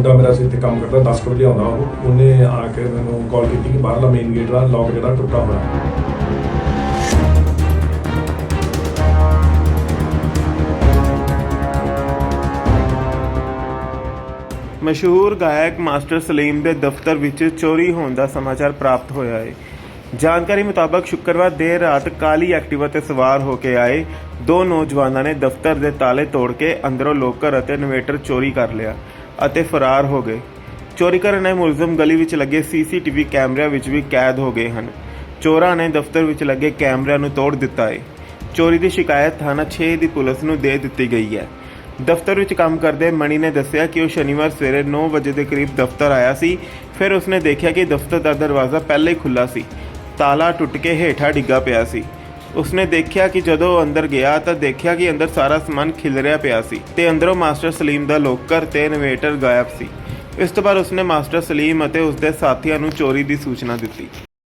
ਮੁੰਡਾ ਮੇਰਾ ਸੀ ਇੱਥੇ ਕੰਮ ਕਰਦਾ 10 ਵਜੇ ਆਉਂਦਾ ਉਹਨੇ ਆ ਕੇ ਮੈਨੂੰ ਕਾਲ ਕੀਤੀ ਕਿ ਬਾਹਰਲਾ ਮੇਨ ਗੇਟ ਦਾ ਲੌਕ ਜਿਹੜਾ ਟੁੱਟਾ ਹੋਇਆ। ਮਸ਼ਹੂਰ ਗਾਇਕ ਮਾਸਟਰ ਸਲੀਮ ਦੇ ਦਫ਼ਤਰ ਵਿੱਚ ਚੋਰੀ ਹੋਣ ਦਾ ਸਮਾਚਾਰ ਪ੍ਰਾਪਤ ਹੋਇਆ ਹੈ। ਜਾਣਕਾਰੀ ਮੁਤਾਬਕ ਸ਼ੁੱਕਰਵਾਰ ਦੇਰ ਰਾਤ ਕਾਲੀ ਐਕਟਿਵਾ ਤੇ ਸਵਾਰ ਹੋ ਕੇ ਆਏ ਦੋ ਨੌਜਵਾਨਾਂ ਨੇ ਦਫ਼ਤਰ ਦੇ ਤਾਲੇ ਤੋੜ ਕੇ ਅੰਦਰੋਂ ਲੋਕਰ ਅਤੇ ਇਨਵੇਟਰ ਚੋਰੀ ਕਰ ਲਿਆ ਅਤੇ ਫਰਾਰ ਹੋ ਗਏ। ਚੋਰੀ ਕਰਨ ਆਏ ਮੁਲਜ਼ਮ ਗਲੀ ਵਿੱਚ ਲੱਗੇ ਸੀਸੀਟੀਵੀ ਕੈਮਰਿਆਂ ਵਿੱਚ ਵੀ ਕੈਦ ਹੋ ਗਏ ਹਨ। ਚੋਰਾਂ ਨੇ ਦਫ਼ਤਰ ਵਿੱਚ ਲੱਗੇ ਕੈਮਰਿਆਂ ਨੂੰ ਤੋੜ ਦਿੱਤਾ ਹੈ। ਚੋਰੀ ਦੀ ਸ਼ਿਕਾਇਤ ਥਾਣਾ 6 ਦੀ ਪੁਲਿਸ ਨੂੰ ਦੇ ਦਿੱਤੀ ਗਈ ਹੈ। ਦਫ਼ਤਰ ਵਿੱਚ ਕੰਮ ਕਰਦੇ ਮਣੀ ਨੇ ਦੱਸਿਆ ਕਿ ਉਹ ਸ਼ਨੀਵਾਰ ਸਵੇਰੇ 9 ਵਜੇ ਦੇ ਕਰੀਬ ਦਫ਼ਤਰ ਆਇਆ ਸੀ। ਫਿਰ ਉਸਨੇ ਦੇਖਿਆ ਕਿ ਦਫ਼ਤਰ ਦਾ ਦਰਵਾਜ਼ਾ ਪਹਿਲਾਂ ਹੀ ਖੁੱਲ੍ਹਾ ਸੀ, ਤਾਲਾ ਟੁੱਟ ਕੇ ਹੇਠਾਂ ਡਿੱਗਾ ਪਿਆ ਸੀ। ਉਸਨੇ ਦੇਖਿਆ ਕਿ ਜਦੋਂ ਅੰਦਰ ਗਿਆ ਤਾਂ ਦੇਖਿਆ ਕਿ ਅੰਦਰ ਸਾਰਾ ਸਮਾਨ ਖਿਲਰਿਆ ਪਿਆ ਸੀ ਤੇ ਅੰਦਰੋਂ ਮਾਸਟਰ ਸਲੀਮ ਦਾ ਲੋਕਰ ਤੇ ਇਨਵੇਟਰ ਗਾਇਬ ਸੀ। ਇਸ ਤੋਂ ਬਾਅਦ ਉਸਨੇ ਮਾਸਟਰ ਸਲੀਮ ਅਤੇ ਉਸਦੇ ਸਾਥੀਆਂ ਨੂੰ ਚੋਰੀ ਦੀ ਸੂਚਨਾ ਦਿੱਤੀ।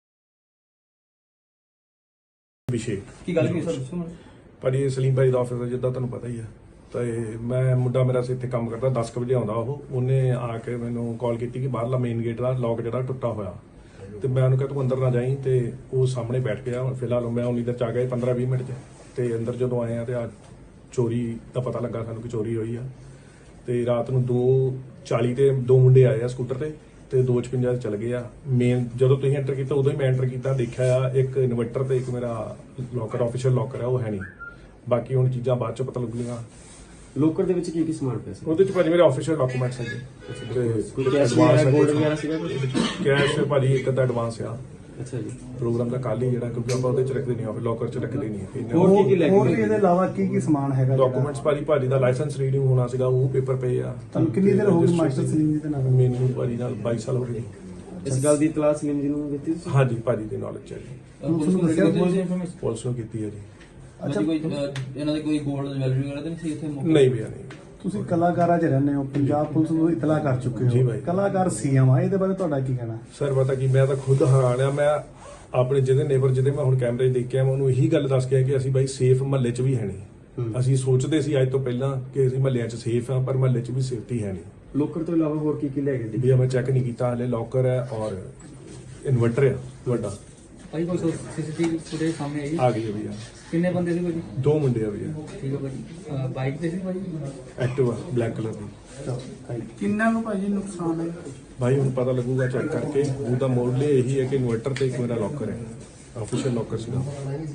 ਕੀ ਗੱਲ ਸਰ ਭਾਜੀ ਸਲੀਮ ਭਾਈ ਦਾ ਆਫਿਸ ਜਿੱਦਾਂ ਤੁਹਾਨੂੰ ਪਤਾ ਹੀ ਹੈ। ਤੇ ਮੈਂ ਮੁੰਡਾ ਮੇਰਾ ਸੀ ਇੱਥੇ ਕੰਮ ਕਰਦਾ 10 ਵਜੇ ਆਉਂਦਾ ਉਹਨੇ ਆ ਕੇ ਮੈਨੂੰ ਕਾਲ ਕੀਤੀ ਕਿ ਬਾਹਰਲਾ ਮੇਨ ਗੇਟ ਦਾ ਲੌਕ ਜਿਹੜਾ ਟੁੱਟਾ ਹੋਇਆ। ਤੇ ਮੈਂ ਉਹਨੂੰ ਕਿਹਾ ਤੂੰ ਅੰਦਰ ਨਾ ਜਾਈਂ ਤੇ ਉਹ ਸਾਹਮਣੇ ਬੈਠ ਗਿਆ। ਫਿਲਹਾਲ ਮੈਂ ਉਨੀ ਦੇਰ ਚ ਆ ਗਿਆ 15-20 ਮਿੰਟ ਚ ਤੇ ਅੰਦਰ ਜਦੋਂ ਆਏ ਆ ਤੇ ਆ ਚੋਰੀ ਦਾ ਪਤਾ ਲੱਗਾ ਸਾਨੂੰ ਕਿ ਚੋਰੀ ਹੋਈ ਆ। ਤੇ ਰਾਤ ਨੂੰ 2:40 ਤੇ ਦੋ ਮੁੰਡੇ ਆਏ ਆ ਸਕੂਟਰ ਤੇ 2:56 ਚਲ ਗਏ ਆ। ਮੇਨ ਜਦੋਂ ਤੁਸੀਂ ਐਂਟਰ ਕੀਤਾ ਉਦੋਂ ਹੀ ਮੈਂ ਐਂਟਰ ਕੀਤਾ, ਦੇਖਿਆ ਆ ਇੱਕ ਇਨਵਰਟਰ ਤੇ ਇੱਕ ਮੇਰਾ ਲੋਕਰ ਆਫੀਸ਼ੀਅਲ ਲੋਕਰ ਆ ਉਹ ਹੈ ਨਹੀਂ। ਬਾਕੀ ਹੁਣ ਚੀਜ਼ਾਂ ਬਾਅਦ ਚ ਪਤਾ ਲੱਗੂਗੀਆਂ। ਲੋਕਰ ਦੇ ਵਿੱਚ ਕੀ ਸਮਾਨ ਪਿਆ ਸੀ? ਉਹਦੇ ਚ ਭਾਜੀ ਮੇਰੇ ਆਫੀਸ਼ੀਅਲ ਡਾਕੂਮੈਂਟਸ ਹੈਗੇ। ਕੋਈ ਕੈਸ਼ ਵਗੈਰਾ ਗੋਲਡ ਵਗੈਰਾ ਸੀਗਾ? ਕੈਸ਼ ਭਾਜੀ ਇੱਕ ਅੱਧਾ ਐਡਵਾਂਸ ਆ। ਅੱਛਾ ਜੀ। ਪ੍ਰੋਗਰਾਮ ਦਾ ਕੱਲ ਹੀ ਜਿਹੜਾ ਕਿਉਂਕਿ ਆਪਾਂ ਉਹਦੇ ਚ ਰੱਖਦੇ ਨਹੀਂ ਆ, ਲੋਕਰ ਚ ਰੱਖਦੇ ਨਹੀਂ। ਹੋਰ ਕੀ ਲੈ ਕੇ ਹੋਰ ਇਹਦੇ ਇਲਾਵਾ ਕੀ ਸਮਾਨ ਹੈਗਾ? ਡਾਕੂਮੈਂਟਸ ਭਾਜੀ ਦਾ ਲਾਇਸੈਂਸ ਰੀਡਿੰਗ ਹੋਣਾ ਸੀਗਾ, ਉਹ ਪੇਪਰ ਪਏ ਆ। ਤੁਹਾਨੂੰ ਕਿੰਨੀ ਦੇਰ ਹੋ ਗਈ ਮਾਸਟਰ ਸਲੀਮ ਜੀ ਦੇ ਨਾਲ? ਮੈਨੂੰ ਭਾਜੀ ਨਾਲ 22 ਸਾਲ ਹੋ ਗਏ। ਇਸ ਗੱਲ ਦੀ ਇਤਲਾਹ ਸਲੀਮ ਜੀ ਨੂੰ ਦਿੱਤੀ ਤੁਸੀਂ? ਹਾਂਜੀ ਭਾਜੀ ਦੇ ਨੌਲੇਜ ਹੈ ਜੀ। ਪੁਲਿਸ ਨੂੰ ਕੀਤੀ ਹੈ ਜੀ। ਅੱਛਾ, ਕੋਈ ਇਹਨਾਂ ਦੇ ਕੋਈ ਗੋਲਡ ਜਵੈਲਰੀ ਵਗੈਰਾ ਤਾਂ ਨਹੀਂ ਸੀ ਇੱਥੇ? ਨਹੀਂ ਭਈਆ ਨਹੀਂ। ਤੁਸੀਂ ਕਲਾਕਾਰਾਂ 'ਚ ਰਹਿੰਦੇ ਹੋ, ਪੰਜਾਬ ਪੁਲਿਸ ਨੂੰ ਇਤਲਾਹ ਕਰ ਚੁੱਕੇ ਜੀ ਹੋ, ਬਾਈ। ਕਲਾਕਾਰ ਸੀਐਮ ਆ, ਇਹਦੇ ਬਾਰੇ ਤੁਹਾਡਾ ਕੀ ਕਹਿਣਾ? ਸਰ ਪਤਾ ਕੀ, ਮੈਂ ਤਾਂ ਖੁਦ ਹੈਰਾਨ ਆ। ਮੈਂ ਆਪਣੇ ਜਿਹਦੇ ਨੇਬਰ ਜਿਹਦੇ ਮੈਂ ਹੁਣ ਕੈਮਰੇ 'ਚ ਦੇਖਿਆ, ਮੈਂ ਉਹਨੂੰ ਇਹੀ ਗੱਲ ਦੱਸ ਕੇ ਆਇਆ ਕਿ ਅਸੀਂ ਬਾਈ ਸੇਫ ਮਹੱਲੇ 'ਚ ਵੀ ਹੈ ਨਹੀਂ। ਅਸੀਂ ਸੋਚਦੇ ਸੀ ਅੱਜ ਤੋਂ ਪਹਿਲਾਂ ਕਿ ਅਸੀਂ ਮਹੱਲਿਆਂ 'ਚ ਸੇਫ ਆ, ਪਰ ਮਹੱਲੇ 'ਚ ਵੀ ਸੇਫਟੀ ਹੈ ਨਹੀਂ। ਲੋਕਰ ਤੋਂ ਇਲਾਵਾ ਹੋਰ ਕੀ ਲੈ ਗਏ? ਭਈਆ ਮੈਂ ਚੈੱਕ ਨਹੀਂ ਕੀਤਾ ਹਲੇ। ਲੋਕਰ ਹੈ ਔਰ ਇਨਵਰਟਰ ਹੈ ਵੱਡਾ। ਭਾਈ ਕੋਈ ਸੀਸੀਟੀਵੀ ਫੁਟੇਜ ਸਾਹਮਣੇ ਆਈ? ਆ ਗਈ ਹੈ ਭਈਆ। ਕਿੰਨੇ ਬੰਦੇ ਸੀ ਭਾਜੀ? ਦੋ ਮੁੰਡੇ ਆ ਭਈਆ। ਠੀਕ ਹੈ ਭਾਜੀ। ਬਾਈਕ ਤੇ ਸੀ ਭਾਜੀ? ਐਕਟਿਵਾ ਬਲੈਕ ਕਲਰ ਦੀ। ਕਿੰਨਾ ਨੂੰ ਭਾਜੀ ਨੁਕਸਾਨ ਹੈ? ਭਾਈ ਹੁਣ ਪਤਾ ਲੱਗੂਗਾ ਚੈੱਕ ਕਰਕੇ। ਉਹਦਾ ਮੋਡਲ ਇਹੀ ਹੈ ਕਿ ਇਨਵਰਟਰ ਤੇ ਇੱਕ ਮੇਰਾ ਲੋਕਰ ਹੈ, ਆਫੀਸ਼ੀਅਲ ਲੋਕਰ ਸੀਗਾ।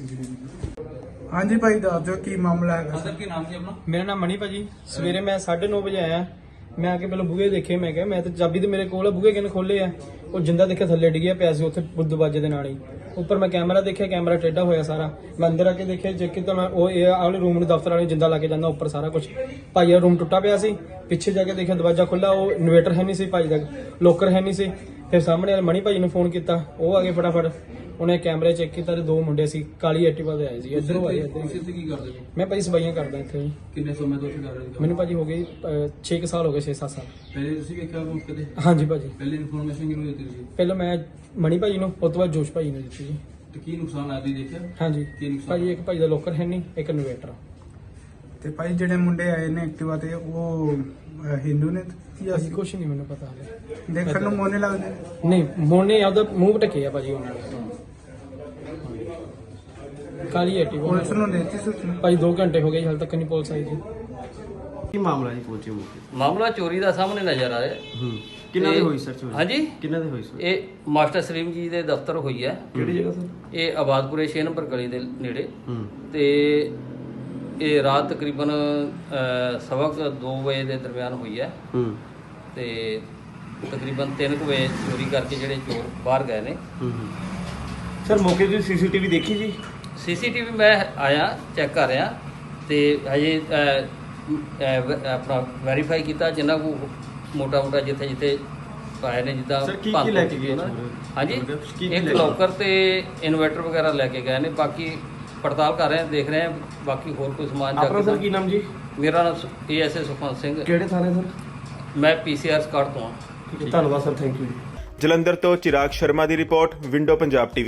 ਹਾਂਜੀ ਭਾਈ ਦੱਸ ਦਿਓ ਕੀ ਮਾਮਲਾ ਹੈਗਾ? ਸਰ ਕੀ ਨਾਮ ਸੀ ਆਪਣਾ? ਮੇਰਾ ਨਾਮ ਮਣੀ ਭਾਜੀ। ਸਵੇਰੇ ਮੈਂ 9:30 ਵਜੇ ਆਇਆ। ਮੈਂ ਆ ਕੇ ਪਹਿਲਾਂ ਬੂਹੇ ਦੇਖੇ। ਮੈਂ ਕਿਹਾ ਮੈਂ ਤਾਂ ਚਾਬੀ ਤੇ ਮੇਰੇ ਕੋਲ ਆ, ਬੂਹੇ ਕਿਨੇ ਖੋਲੇ ਆ? ਉਹ ਜਿੰਦਾ ਦੇਖਿਆ ਥੱਲੇ ਡਿੱਗਿਆ ਪਿਆ ਸੀ ਉੱਥੇ ਦਰਵਾਜ਼ੇ ਦੇ ਨਾਲ ਹੀ। ਉੱਪਰ ਮੈਂ ਕੈਮਰਾ ਦੇਖਿਆ, ਕੈਮਰਾ ਟੇਢਾ ਹੋਇਆ ਸਾਰਾ। ਮੈਂ ਅੰਦਰ ਆ ਕੇ ਦੇਖਿਆ, ਚੈੱਕ ਕੀਤਾ ਮੈਂ, ਉਹ ਇਹ ਵਾਲੇ ਰੂਮ ਨੂੰ ਦਫ਼ਤਰ ਵਾਲੇ ਜਿੰਦਾ ਲਾ ਕੇ ਜਾਂਦਾ ਉੱਪਰ ਸਾਰਾ ਕੁਝ। ਭਾਈ ਦਾ ਰੂਮ ਟੁੱਟਾ ਪਿਆ ਸੀ। ਪਿੱਛੇ ਜਾ ਕੇ ਦੇਖਿਆ ਦਰਵਾਜ਼ਾ ਖੁੱਲਾ, ਉਹ ਇਨਵੇਟਰ ਹੈ ਨਹੀਂ ਸੀ ਭਾਈ ਦਾ, ਲੋਕਰ ਹੈ ਨਹੀਂ ਸੀ। ਫਿਰ ਸਾਹਮਣੇ ਵਾਲੇ ਮਣੀ ਭਾਈ ਨੂੰ ਫੋਨ ਕੀਤਾ, ਉਹ ਆ ਗਏ ਫਟਾਫਟ। ਉਹਨੇ ਕੈਮਰੇ ਚੈੱਕ ਕੀਤਾ ਤੇ ਦੋ ਮੁੰਡੇ ਸੀ ਕਾਲੀ ਐਕਟਿਵਾ ਤੇ ਆਏ ਸੀ। ਇੱਧਰੋਂ ਆਏ ਤੁਸੀਂ ਇੱਥੇ ਕੀ ਕਰਦੇ ਹੋ? ਮੈਂ ਭਾਈ ਸਫਾਈਆਂ ਕਰਦਾ ਇੱਥੇ ਜੀ। ਕਿੰਨੇ ਸਮੇਂ ਤੋਂ ਇੱਥੇ ਕਰ ਰਹੇ ਹੋ? ਮੈਨੂੰ ਭਾਜੀ ਹੋ ਗਏ 6 ਸਾਲ ਹੋ ਗਏ, 6-7 ਸਾਲ। ਪਹਿਲੇ ਤੁਸੀਂ ਵੇਖਿਆ ਮੌਕੇ ਤੇ? ਹਾਂਜੀ ਭਾਜੀ। ਪਹਿਲੇ ਇਨਫੋਰਮੇਸ਼ਨ ਕਿਹਨੂੰ ਦਿੱਤੀ ਸੀ? ਪਹਿਲਾਂ ਮੈਂ ਮਣੀ ਭਾਜੀ ਨੂੰ, ਉਸ ਤੋਂ ਬਾਅਦ ਜੋਸ਼ ਭਾਜੀ ਨੂੰ ਦਿੱਤੀ ਜੀ। ਤੇ ਕੀ ਨੁਕਸਾਨ ਆਇਆ ਤੁਸੀਂ ਦੇਖਿਆ? ਹਾਂਜੀ ਕੀ ਨੁਕਸਾਨ? ਭਾਜੀ ਇੱਕ ਭਾਜੀ ਦਾ ਲੋਕਰ ਹੈ ਨਹੀਂ, ਇੱਕ ਇਨਵੇਟਰ। ਤੇ ਭਾਈ ਜਿਹੜੇ ਮੁੰਡੇ ਆਏ ਨੇ ਐਕਟਿਵਾ ਤੇ, ਉਹ ਹਿੰਦੂ ਨੇ ਜਾਂ ਅਸੀਂ ਕੁਛ ਨਹੀਂ ਮੈਨੂੰ ਪਤਾ ਹਾਲੇ। ਦੇਖਣ ਨੂੰ ਮੋਨੇ ਲੱਗਦੇ ਨੇ? ਨਹੀਂ ਮੋਨੇ ਆਪਦਾ ਮੂੰਹ ਢੱਕੇ ਆ ਭਾਜੀ ਉਹਨਾਂ ਨੇ। ਕਾਲੀ ਐਕਟਿਵਾ ਪੁਲਿਸ ਨੂੰ ਦਿੱਤੀ ਸੂਚਨਾ? ਭਾਜੀ 2 ਘੰਟੇ ਹੋ ਗਏ ਹਾਲੇ ਤੱਕ ਨਹੀਂ ਪੁਲਿਸ ਆਈ ਜੀ। ਕੀ ਮਾਮਲਾ ਜੀ ਪਹੁੰਚੇ ਮੌਕੇ? ਮਾਮਲਾ ਚੋਰੀ ਦਾ ਸਾਹਮਣੇ ਨਜ਼ਰ ਆ ਰਿਹਾ। ਕਿੰਨਾ ਦੀ ਹੋਈ ਸਰ ਚੋਰੀ? ਹਾਂਜੀ ਕਿੰਨਾ ਦੀ ਹੋਈ ਸਰ? ਇਹ ਮਾਸਟਰ ਸਲੀਮ ਜੀ ਦੇ ਦਫ਼ਤਰ ਹੋਈ ਹੈ। ਕਿਹੜੀ ਜਗ੍ਹਾ ਸਰ? ਇਹ ਆਬਾਦਪੁਰੇ 6 ਨੰਬਰ ਗਲੀ ਦੇ ਨੇੜੇ। ਤੇ ਇਹ ਰਾਤ ਤਕਰੀਬਨ 2:15 ਵਜੇ ਦੇ ਦਰਮਿਆਨ ਹੋਈ ਹੈ। ਤੇ ਤਕਰੀਬਨ 3 ਵਜੇ ਚੋਰੀ ਕਰਕੇ ਜਿਹੜੇ ਚੋਰ ਬਾਹਰ ਗਏ ਨੇ। ਸਰ ਮੌਕੇ ਦੀ ਸੀਸੀਟੀਵੀ ਦੇਖੀ ਜੀ? ਸੀਸੀਟੀਵੀ ਮੈਂ ਆਇਆ ਚੈੱਕ ਕਰ ਰਿਹਾ ਤੇ ਹਜੇ ਆਪਣਾ ਵੈਰੀਫਾਈ ਕੀਤਾ ਜਿੰਨਾ ਕੋ ਮੋਟਾ ਜਿੱਥੇ ਜਿੱਥੇ ਆਏ ਨੇ ਜਿੱਦਾਂ ਸਰ ਕੀ ਲੈ ਕੇ ਗਏ? ਹਾਂਜੀ ਇੱਕ ਲੋਕਰ ਤੇ ਇਨਵਰਟਰ ਵਗੈਰਾ ਲੈ ਕੇ ਗਏ ਨੇ। ਬਾਕੀ ਪੜਤਾਲ ਕਰ ਰਹੇ ਹਾਂ, ਦੇਖ ਰਹੇ ਹਾਂ ਬਾਕੀ ਹੋਰ ਕੋਈ ਸਮਾਨ। ਆਪਣਾ ਸਰ ਕੀ ਨਾਮ ਜੀ? ਮੇਰਾ ਨਾਮ ASA ਸੁਖਵੰਤ ਸਿੰਘ। ਕਿਹੜੇ ਥਾਣੇ ਸਰ? ਮੈਂ PCR ਸਕਾਟ ਤੋਂ ਹਾਂ। ਧੰਨਵਾਦ ਸਰ, ਥੈਂਕ ਯੂ। ਜਲੰਧਰ ਤੋਂ ਚਿਰਾਗ ਸ਼ਰਮਾ ਦੀ ਰਿਪੋਰਟ, ਵਿੰਡੋ ਪੰਜਾਬ TV।